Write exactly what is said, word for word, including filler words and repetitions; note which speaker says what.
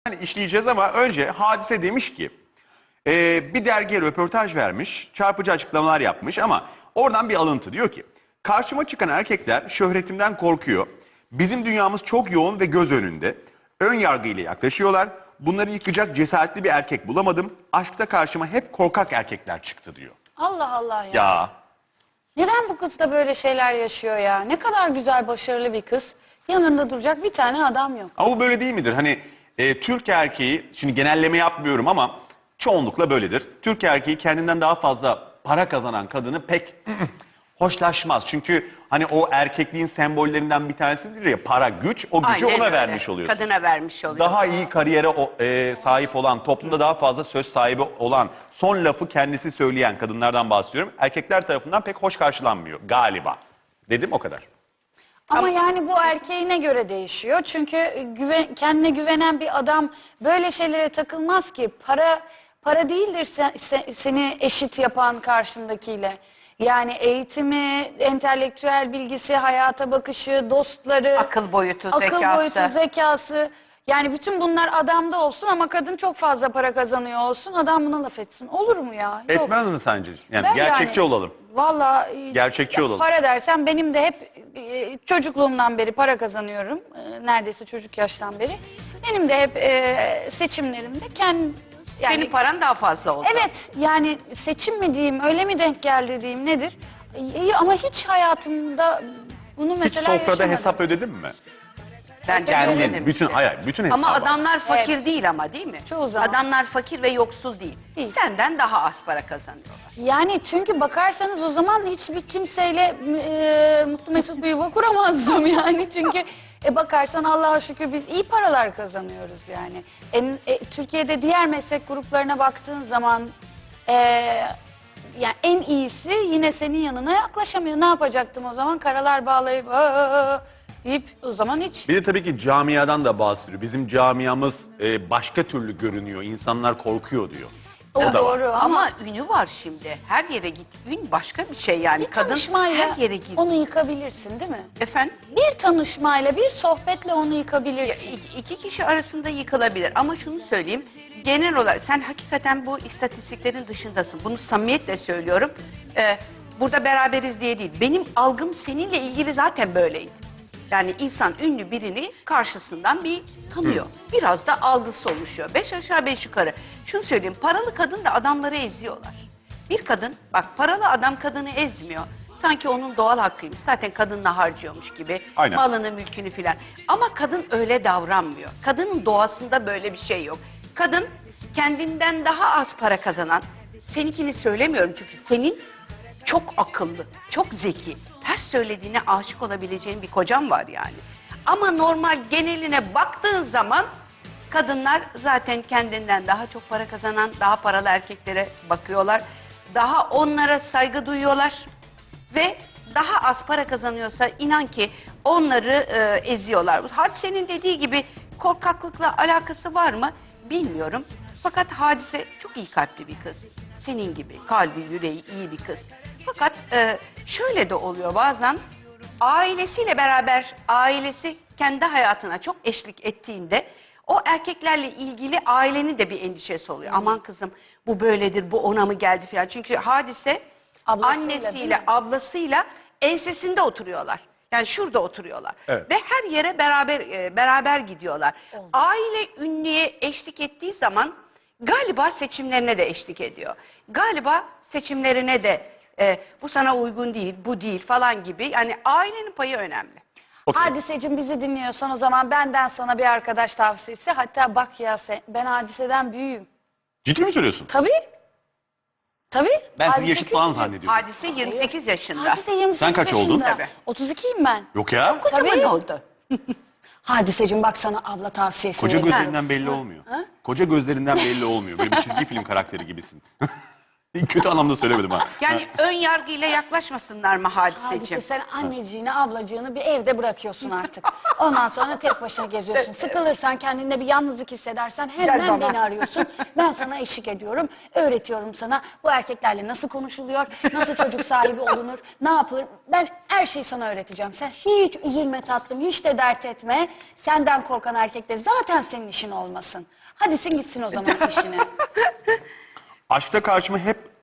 Speaker 1: Yani işleyeceğiz ama önce Hadise demiş ki e, bir dergiye röportaj vermiş, çarpıcı açıklamalar yapmış ama oradan bir alıntı diyor ki karşıma çıkan erkekler şöhretimden korkuyor. Bizim dünyamız çok yoğun ve göz önünde. Ön yargıyla yaklaşıyorlar. Bunları yıkacak cesaretli bir erkek bulamadım. Aşkta karşıma hep korkak erkekler çıktı diyor.
Speaker 2: Allah Allah ya.
Speaker 1: Ya
Speaker 2: Neden bu kız da böyle şeyler yaşıyor ya? Ne kadar güzel, başarılı bir kız. Yanında duracak bir tane adam yok.
Speaker 1: ama bu böyle değil midir? Hani e, Türk erkeği, şimdi genelleme yapmıyorum ama çoğunlukla böyledir. Türk erkeği kendinden daha fazla para kazanan kadını pek hoşlaşmaz. Çünkü hani o erkekliğin sembollerinden bir tanesidir ya, para, güç, o gücü
Speaker 3: Aynen
Speaker 1: ona
Speaker 3: öyle.
Speaker 1: vermiş oluyorsun.
Speaker 3: Kadına vermiş oluyor.
Speaker 1: Daha iyi kariyere o- e, sahip olan, toplumda daha fazla söz sahibi olan, son lafı kendisi söyleyen kadınlardan bahsediyorum. Erkekler tarafından pek hoş karşılanmıyor galiba. Dedim o kadar.
Speaker 2: Ama yani bu erkeğine göre değişiyor. Çünkü güven, kendine güvenen bir adam böyle şeylere takılmaz ki. Para para değildir sen- se- seni eşit yapan karşındakiyle. Yani eğitimi, entelektüel bilgisi, hayata bakışı, dostları,
Speaker 3: Akıl boyutu,
Speaker 2: akıl
Speaker 3: zekası.
Speaker 2: boyutu, zekası. Yani bütün bunlar adamda olsun ama kadın çok fazla para kazanıyor olsun. Adam buna laf etsin. Olur mu ya? Yok.
Speaker 1: Etmez mi sence? Yani
Speaker 2: Ben
Speaker 1: gerçekçi
Speaker 2: yani,
Speaker 1: olalım.
Speaker 2: Valla
Speaker 1: Gerçekçi olalım.
Speaker 2: Para dersen benim de hep e, çocukluğumdan beri para kazanıyorum. E, neredeyse çocuk yaştan beri. Benim de hep e, seçimlerimde kendi yani
Speaker 3: Senin paran daha fazla oldu.
Speaker 2: evet yani seçim mi diyeyim, öyle mi denk geldi diyeyim, nedir? E, ama hiç hayatımda bunu
Speaker 1: Hiç
Speaker 2: mesela
Speaker 1: sofrada
Speaker 2: yaşamadım.
Speaker 1: hesap ödedin mi?
Speaker 3: Bence
Speaker 1: Kendin,
Speaker 3: öyle
Speaker 1: bütün
Speaker 3: demişti.
Speaker 1: hayır, bütün hesabı.
Speaker 3: Ama adamlar fakir değil ama, değil mi?
Speaker 2: Çoğu zaman.
Speaker 3: Adamlar fakir ve yoksul değil.
Speaker 2: Değil.
Speaker 3: Senden daha az para kazanıyorlar.
Speaker 2: Yani çünkü bakarsanız o zaman hiçbir kimseyle e, mutlu mesut bir yuva kuramazdım yani. Çünkü e, bakarsan Allah'a şükür biz iyi paralar kazanıyoruz yani. En, e, Türkiye'de diğer meslek gruplarına baktığın zaman e, yani en iyisi yine senin yanına yaklaşamıyor. Ne yapacaktım o zaman? Karalar bağlayıp "Aa!" deyip o zaman hiç.
Speaker 1: Bir de tabii ki camiadan da bahsediyor. Bizim camiamız e, başka türlü görünüyor. İnsanlar korkuyor diyor.
Speaker 2: O,
Speaker 1: da var.
Speaker 2: doğru ama,
Speaker 3: Ama ünü var şimdi. Her yere git. Ün başka bir şey yani.
Speaker 2: bir
Speaker 3: Kadın
Speaker 2: tanışmayla
Speaker 3: her yere git.
Speaker 2: onu yıkabilirsin değil mi?
Speaker 3: Efendim?
Speaker 2: Bir tanışmayla, bir sohbetle onu yıkabilirsin.
Speaker 3: İki, iki kişi arasında yıkılabilir ama şunu söyleyeyim, genel olarak sen hakikaten bu istatistiklerin dışındasın. Bunu samimiyetle söylüyorum. Ee, burada beraberiz diye değil. Benim algım seninle ilgili zaten böyleydi. Yani insan ünlü birini karşısından bir tanıyor. Biraz da algısı oluşuyor. Beş aşağı beş yukarı. Şunu söyleyeyim, paralı kadın da adamları eziyorlar. Bir kadın, bak paralı adam kadını ezmiyor. Sanki onun doğal hakkıymış. Zaten kadınla harcıyormuş gibi.
Speaker 1: Aynen.
Speaker 3: Malını, mülkünü filan. Ama kadın öyle davranmıyor. Kadının doğasında böyle bir şey yok. Kadın kendinden daha az para kazanan, seninkini söylemiyorum çünkü senin çok akıllı, çok zeki, her söylediğine aşık olabileceğin bir kocan var yani. Ama normal geneline baktığın zaman kadınlar zaten kendinden daha çok para kazanan, daha paralı erkeklere bakıyorlar. Daha onlara saygı duyuyorlar. Ve daha az para kazanıyorsa inan ki onları e, eziyorlar. Hadise'nin dediği gibi korkaklıkla alakası var mı bilmiyorum. Fakat Hadise çok iyi kalpli bir kız. Senin gibi kalbi, yüreği iyi bir kız. Fakat e, şöyle de oluyor bazen, ailesiyle beraber ailesi kendi hayatına çok eşlik ettiğinde o erkeklerle ilgili ailenin de bir endişesi oluyor. Aman kızım bu böyledir, bu ona mı geldi falan. Çünkü Hadise
Speaker 2: Ablasıyla, değil
Speaker 3: annesiyle,
Speaker 2: mi?
Speaker 3: ablasıyla ensesinde oturuyorlar. Yani şurada oturuyorlar.
Speaker 1: Evet.
Speaker 3: Ve her yere beraber e, beraber gidiyorlar. Aile ünlüye eşlik ettiği zaman galiba seçimlerine de eşlik ediyor. Galiba seçimlerine de e, bu sana uygun değil, bu değil falan gibi. Yani ailenin payı önemli.
Speaker 1: Okey.
Speaker 2: Hadiseciğim, bizi dinliyorsan o zaman benden sana bir arkadaş tavsiyesi. Hatta bak ya, sen, ben Hadise'den büyüğüm.
Speaker 1: Ciddi mi söylüyorsun?
Speaker 2: Tabii. Tabii.
Speaker 1: Ben seni
Speaker 2: Hadise
Speaker 1: yaşıt falan
Speaker 2: küçücük.
Speaker 1: zannediyorum.
Speaker 3: Hadise yirmi sekiz yaşında.
Speaker 2: Hadise yirmi sekiz
Speaker 1: Sen kaç oldun?
Speaker 2: yaşında.
Speaker 3: Tabii.
Speaker 2: otuz ikiyim ben.
Speaker 1: Yok ya.
Speaker 3: Kocaman
Speaker 2: Tabii.
Speaker 3: oldu.
Speaker 2: Hadiseciğim, bak sana abla tavsiyesi
Speaker 1: Koca
Speaker 2: vereyim.
Speaker 1: gözlerinden belli olmuyor. Koca gözlerinden belli olmuyor. Böyle bir çizgi film karakteri gibisin. Kötü anlamda söylemedim ha.
Speaker 3: Yani ön yargıyla yaklaşmasınlar mı hadiseciğim?
Speaker 2: Hadise sen anneciğini, ablacığını bir evde bırakıyorsun artık. Ondan sonra tek başına geziyorsun. Sıkılırsan, kendinde bir yalnızlık hissedersen hemen beni arıyorsun. Ben sana eşlik ediyorum, öğretiyorum sana bu erkeklerle nasıl konuşuluyor, nasıl çocuk sahibi olunur, ne yapılır. Ben her şeyi sana öğreteceğim. Sen hiç üzülme tatlım, hiç de dert etme. Senden korkan erkek de zaten senin işin olmasın. Hadi sen gitsin o zaman işine.
Speaker 1: Aşkta karşıma hep